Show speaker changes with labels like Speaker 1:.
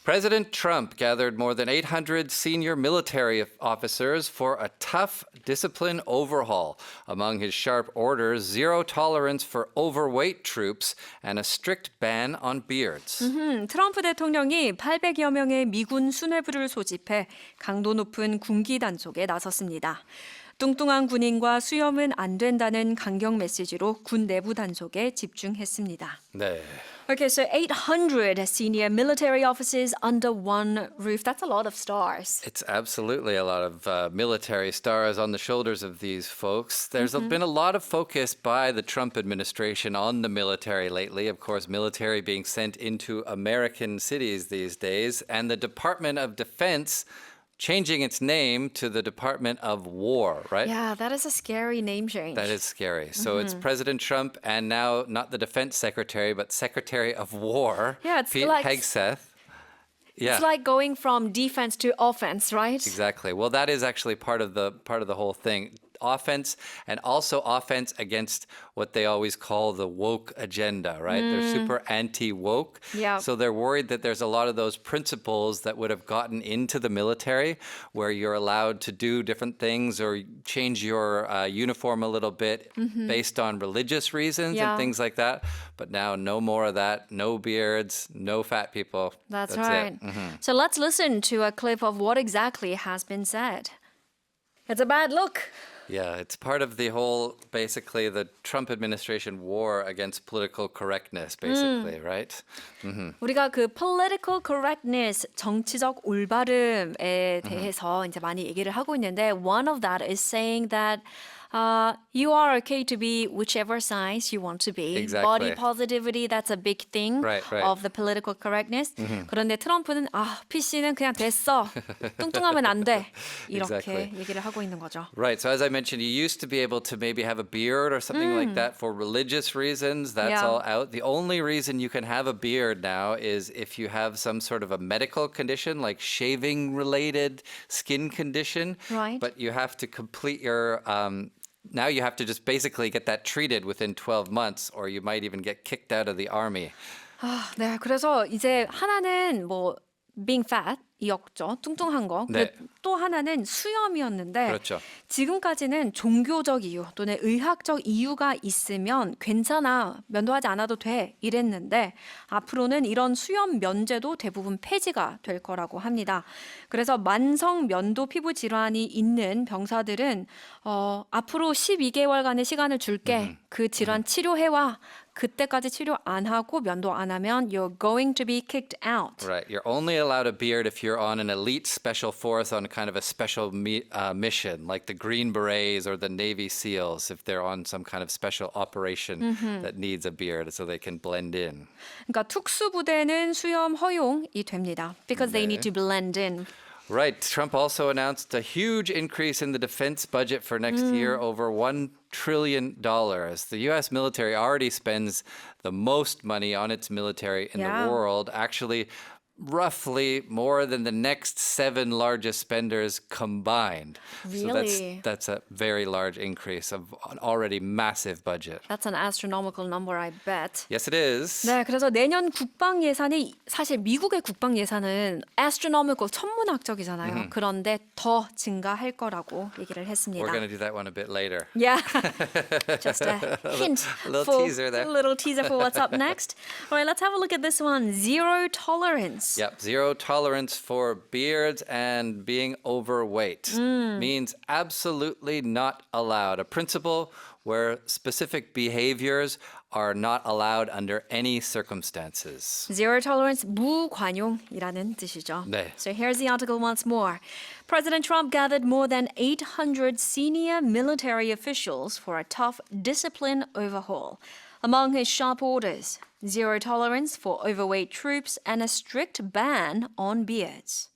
Speaker 1: President Trump gathered more than 800 senior military officers for a tough discipline overhaul. Among his sharp orders, zero tolerance for overweight troops and a strict ban on beards.
Speaker 2: 트럼프 대통령이 800여 명의 미군 수뇌부를 소집해 강도 높은 군기 단속에 나섰습니다. 뚱뚱한 군인과 수염은 안 된다는 강경 메시지로 군 내부 단속에 집중했습니다.
Speaker 1: 네.
Speaker 2: Okay, so 800 senior military officers under one roof. That's a lot of stars.
Speaker 1: It's absolutely a lot of military stars on the shoulders of these folks. There's been a lot of focus by the Trump administration on the military lately. Of course, military being sent into American cities these days, and the Department of Defense changing its name to the Department of War, right?
Speaker 2: Yeah, that is a scary name change.
Speaker 1: That is scary. So it's President Trump and now not the Defense Secretary, but Secretary of War,
Speaker 2: Yeah, it's
Speaker 1: Pete
Speaker 2: like-
Speaker 1: Hegseth. Yeah.
Speaker 2: It's like going from defense to offense, right?
Speaker 1: Exactly. Well, that is actually part of the whole thing. Offense, and also offense against what they always call the woke agenda, right? They're super anti-woke.
Speaker 2: Yeah.
Speaker 1: So they're worried that there's a lot of those principles that would have gotten into the military where you're allowed to do different things or change your uniform a little bit based on religious reasons
Speaker 2: Yeah.
Speaker 1: and things like that. But now no more of that. No beards, no fat people.
Speaker 2: That's
Speaker 1: right.
Speaker 2: right. So let's listen to a clip of what exactly has been said. It's a bad look.
Speaker 1: Yeah, it's part of the whole, basically, the Trump administration war against political correctness, basically, right?
Speaker 2: 우리가 그 political correctness, 정치적 올바름에 대해서 이제 많이 얘기를 하고 있는데 one of that is saying that you are okay to be whichever size you want to be.
Speaker 1: Exactly.
Speaker 2: Body positivity, that's a big thing
Speaker 1: Right.
Speaker 2: of the political correctness. 그런데 트럼프는 PC는 그냥 됐어. 뚱뚱하면 안 돼. 이렇게
Speaker 1: Exactly.
Speaker 2: 얘기를 하고 있는 거죠.
Speaker 1: Right. So as I mentioned, you used to be able to maybe have a beard or something like that for religious reasons. That's
Speaker 2: Yeah.
Speaker 1: all out. The only reason you can have a beard now is if you have some sort of a medical condition, like shaving related skin condition.
Speaker 2: Right.
Speaker 1: But you have to complete your now you have to just basically get that treated within 12 months or you might even get kicked out of the army.
Speaker 2: 네, 그래서 이제 하나는 뭐 being fat이었죠. 뚱뚱한 거.
Speaker 1: 네.
Speaker 2: 또 하나는 수염이었는데
Speaker 1: 그렇죠.
Speaker 2: 지금까지는 종교적 이유 또는 의학적 이유가 있으면 괜찮아. 면도하지 않아도 돼. 이랬는데 앞으로는 이런 수염 면제도 대부분 폐지가 될 거라고 합니다. 그래서 만성 면도 피부 질환이 있는 병사들은 앞으로 12개월간의 시간을 줄게. 그 질환 치료해와. 그때까지 치료 안 하고 면도 안 하면 you're going to be kicked out.
Speaker 1: Right. You're only allowed a beard if you're on an elite special force on kind of a special mission, like the Green Berets or the Navy SEALs, if they're on some kind of special operation that needs a beard so they can blend in.
Speaker 2: 그러니까 특수부대는 수염 허용이 됩니다. Because they need to blend in.
Speaker 1: Right. Trump also announced a huge increase in the defense budget for next year, over $1 trillion. The U.S. military already spends the most money on its military in
Speaker 2: Yeah.
Speaker 1: the world, actually roughly more than the next 7 largest spenders combined.
Speaker 2: Really?
Speaker 1: So that's a very large increase of an already massive budget.
Speaker 2: That's an astronomical number, I bet.
Speaker 1: Yes, it is.
Speaker 2: 네, 그래서 내년 국방 예산이 사실 미국의 국방 예산은 astronomical 천문학적이잖아요. 그런데 더 증가할 거라고 얘기를
Speaker 1: We're
Speaker 2: 했습니다.
Speaker 1: going to do that one a bit later.
Speaker 2: Yeah, just a hint,
Speaker 1: A little
Speaker 2: for,
Speaker 1: teaser there.
Speaker 2: A little teaser for what's up next. All right, let's have a look at this one. Zero tolerance.
Speaker 1: Yep, zero tolerance for beards and being overweight means absolutely not allowed. A principle where specific behaviors are not allowed under any circumstances.
Speaker 2: Zero tolerance, 무관용이라는 뜻이죠.
Speaker 1: 네.
Speaker 2: So here's the article once more. President Trump gathered more than 800 senior military officials for a tough discipline overhaul. Among his sharp orders, zero tolerance for overweight troops and a strict ban on beards.